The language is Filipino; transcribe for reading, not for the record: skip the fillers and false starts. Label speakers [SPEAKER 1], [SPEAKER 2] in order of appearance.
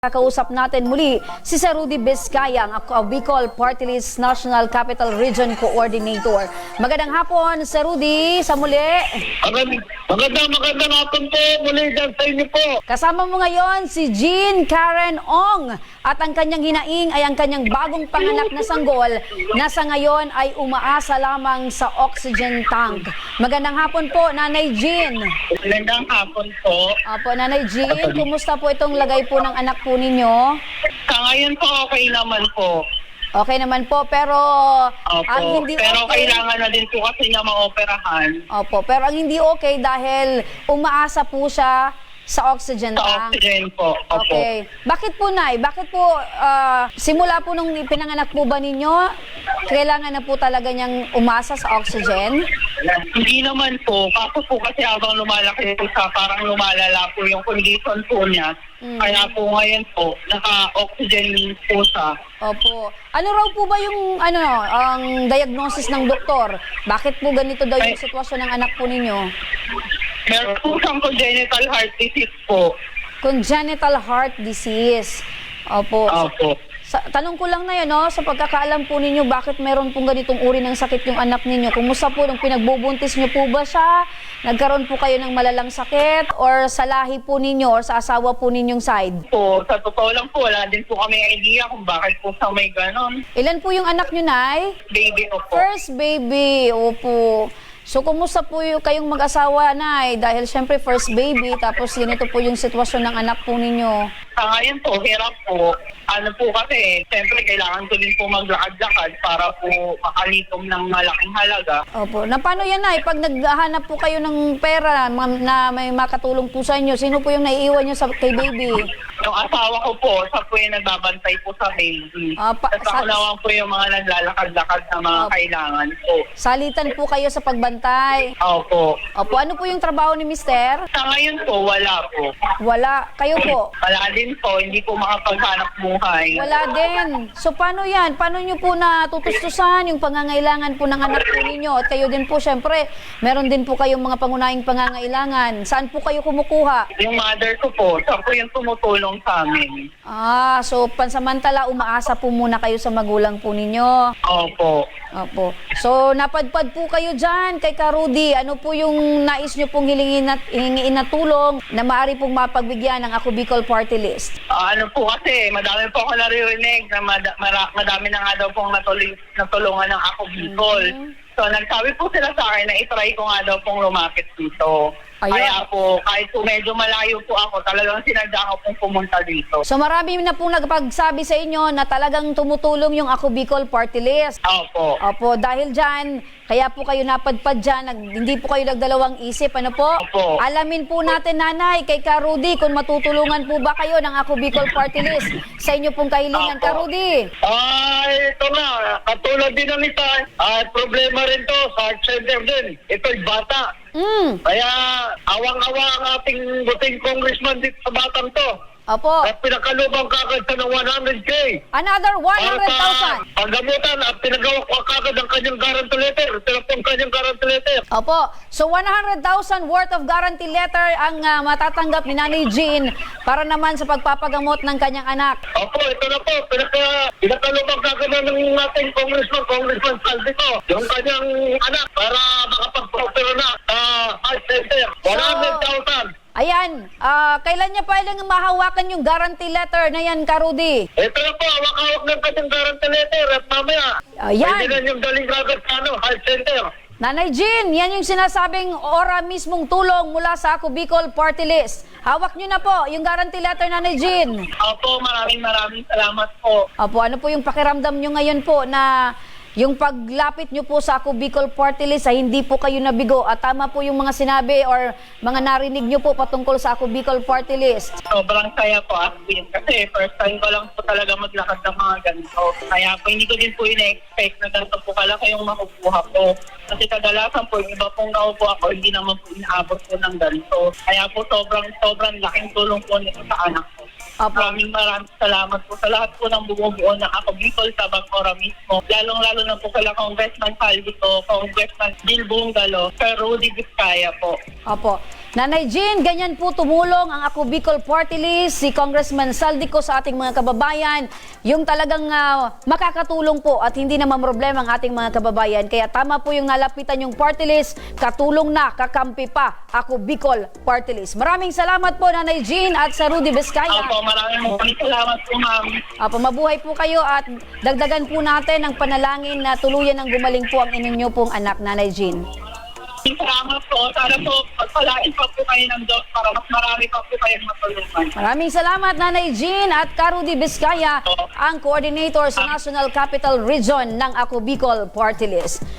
[SPEAKER 1] Kakausap natin muli si Sir Rudy Vizcaya, ang Bicol Party List National Capital Region Coordinator. Magandang hapon, Sir Rudy, sa muli.
[SPEAKER 2] Magandang hapon po muli dyan sa inyo po.
[SPEAKER 1] Kasama mo ngayon si Jean Karen Ong at ang kanyang hinaing ay ang kanyang bagong panganak na sanggol na sa ngayon ay umaasa lamang sa oxygen tank. Magandang hapon po, Nanay Jean.
[SPEAKER 2] Magandang hapon po.
[SPEAKER 1] Opo, Nanay Jean, kumusta po itong lagay po ng anak po ninyo?
[SPEAKER 2] Sa ngayon po okay naman po.
[SPEAKER 1] Okay naman po, pero
[SPEAKER 2] Opo.
[SPEAKER 1] ang hindi
[SPEAKER 2] Pero
[SPEAKER 1] okay,
[SPEAKER 2] kailangan na din po kasi niya maoperahan
[SPEAKER 1] opo, pero ang hindi okay dahil umaasa po siya sa oxygen
[SPEAKER 2] sa
[SPEAKER 1] tank.
[SPEAKER 2] oxygen po. Opo.
[SPEAKER 1] Okay. Bakit po, Nay? Bakit po, simula po nung pinanganak po ba ninyo, kailangan na po talaga niyang umasa sa oxygen?
[SPEAKER 2] Hindi naman po. Kaso po kasi habang lumalaki po siya, parang lumalala po yung condition po niya. Kaya po ngayon po, naka-oxygen po siya.
[SPEAKER 1] Opo. Ano raw po ba yung ang diagnosis ng doktor? Bakit po ganito daw yung sitwasyon ng anak po ninyo?
[SPEAKER 2] Meron po siyang congenital heart disease po.
[SPEAKER 1] Congenital heart disease. Opo.
[SPEAKER 2] Opo.
[SPEAKER 1] Tanong ko lang na yun, no? Sa pagkakaalam po ninyo, bakit meron pong ganitong uri ng sakit yung anak ninyo? Kumusta po nung pinagbubuntis nyo po ba siya? Nagkaroon po kayo ng malalang sakit? Or sa lahi po ninyo or sa asawa po ninyong side?
[SPEAKER 2] Po, sa totoo lang po, wala din po kami idea kung bakit po siya may ganon.
[SPEAKER 1] Ilan po yung anak nyo, Nay?
[SPEAKER 2] Baby ko po.
[SPEAKER 1] First baby, opo. So, kumusta po yung kayong mag-asawa, Nay? Dahil syempre first baby, tapos ganito po yung sitwasyon ng anak po ninyo.
[SPEAKER 2] Sa ngayon po, hirap po. Ano po kasi, siyempre kailangan ko din po maglakad-lakad para po makalikom ng malaking halaga.
[SPEAKER 1] Opo. Na paano yan, Nay? Pag naghahanap po kayo ng pera na may makatulong po sa inyo, sino po yung naiiwan nyo kay baby?
[SPEAKER 2] Yung asawa ko po, siya po yung nagbabantay po sa baby. Tapos ako naman po yung mga naglalakad-lakad na mga kailangan po.
[SPEAKER 1] Salitan po kayo sa pagbantay.
[SPEAKER 2] Opo.
[SPEAKER 1] Opo. Ano po yung trabaho ni Mister?
[SPEAKER 2] Sa ngayon po, wala po.
[SPEAKER 1] Wala. Kayo po?
[SPEAKER 2] Wala din po, hindi po makapaghanap buhay.
[SPEAKER 1] Wala din. So, paano yan? Paano nyo po natutustusan yung pangangailangan po ng anak po ninyo? At kayo din po, syempre, meron din po kayong mga pangunahing pangangailangan. Saan po kayo kumukuha?
[SPEAKER 2] Yung mother ko po, siya po yung tumutulong sa amin.
[SPEAKER 1] So, pansamantala, umaasa po muna kayo sa magulang po ninyo.
[SPEAKER 2] Opo.
[SPEAKER 1] Opo. So, napadpad po kayo dyan kay Ka Rudy. Ano po yung nais nyo pong hihingiin na tulong na maaari pong mapagbigyan ng Ako Bicol Party List?
[SPEAKER 2] Ano po kasi, madami po ako naririnig na madami na nga daw pong natulungan ng Ako Bicol. So, nagsabi po sila sa akin na itry ko nga daw pong lumapit dito.
[SPEAKER 1] Ayun.
[SPEAKER 2] Kaya po, kahit po medyo malayo po ako, talagang sinadya ko pong pumunta dito.
[SPEAKER 1] So, marami na pong nagpagsabi sa inyo na talagang tumutulong yung Ako Bicol Party List.
[SPEAKER 2] Opo.
[SPEAKER 1] Opo, dahil dyan, kaya po kayo napadpad dyan, hindi po kayo nagdalawang isip, ano po?
[SPEAKER 2] Opo.
[SPEAKER 1] Alamin po natin, Nanay, kay Ka Rudy, kung matutulungan po ba kayo ng Ako Bicol Party List sa inyo pong kahilingan,
[SPEAKER 2] Opo.
[SPEAKER 1] Ka Rudy.
[SPEAKER 2] Ito na, katulad din ng isa, problema rin to, sa heart center din. Ito'y bata. Kaya awang-awa ang ating buting congressman dito sa batang to.
[SPEAKER 1] Opo.
[SPEAKER 2] At pinakalubang kagad sa ng 100K.
[SPEAKER 1] Another 100,000.
[SPEAKER 2] Paggamutan at pinagawa ko kagad ang kanyang guarantee letter. Tinapong kanyang guarantee letter.
[SPEAKER 1] Opo. So 100,000 worth of guarantee letter ang matatanggap ni Nanay Jean para naman sa pagpapagamot ng kanyang anak.
[SPEAKER 2] Opo, ito na po. Pinakalubang kagad ng ating Congressman Saldico. Yung kanyang anak para makapag-procure na heart center. 100,000.
[SPEAKER 1] Ayan, kailan niya pa ilang mahawakan yung guarantee letter na yan, Ka Rudy?
[SPEAKER 2] Ito na po, hawak-hawak ng kanyang guarantee letter at mamaya.
[SPEAKER 1] Ayan.
[SPEAKER 2] Pwede na yung daling kagad sa heart center.
[SPEAKER 1] Nanay Jean, yan yung sinasabing ora mismong tulong mula sa Ako Bicol Party List. Hawak niyo na po yung guarantee letter, Nanay Jean.
[SPEAKER 2] Opo, maraming salamat po.
[SPEAKER 1] Opo, ano po yung pakiramdam nyo ngayon po na yung paglapit nyo po sa Ako Bicol Party List ay hindi po kayo nabigo at tama po yung mga sinabi or mga narinig nyo po patungkol sa Ako Bicol Party List?
[SPEAKER 2] Sobrang saya po, Asbin. Kasi first time ko lang po talaga maglakad ng mga ganito. Kaya po hindi ko din po ina-expect na ganito po kalaki yung makukuha ko. Kasi kadalasan po, yung iba pong naupo ako, hindi naman po inaabot po ng ganito. Kaya po sobrang laking tulong po nito sa anak ko. Maraming salamat po sa lahat po ng bumubuo ng Ako Bicol sa Bangora mismo. Lalong-lalo na po kala Congressman Saldico, Congressman Bill Bungalo, Sir Rudy Vizcaya po.
[SPEAKER 1] Opo. Nanay Jean, ganyan po tumulong ang Ako Bicol Party List, si Congressman Saldico sa ating mga kababayan, yung talagang makakatulong po at hindi na mamroblema ang ating mga kababayan. Kaya tama po yung nalapitan yung party list, katulong na, kakampi pa, Ako Bicol Party List. Maraming salamat po Nanay Jean at sa Rudy Vizcaya.
[SPEAKER 2] Opo, maraming salamat po, ma'am.
[SPEAKER 1] Apo, mabuhay po kayo at dagdagan po natin ang panalangin na tuluyan ng gumaling po ang inyo pong anak, Nanay Jean.
[SPEAKER 2] Salamat po. Sana po, pagpalain pa po kayo ng Diyos para mas marami pa po kayong matulungan.
[SPEAKER 1] Maraming salamat Nanay Jean at Rudy Vizcaya, ang coordinator sa National Capital Region ng Ako Bicol Party List.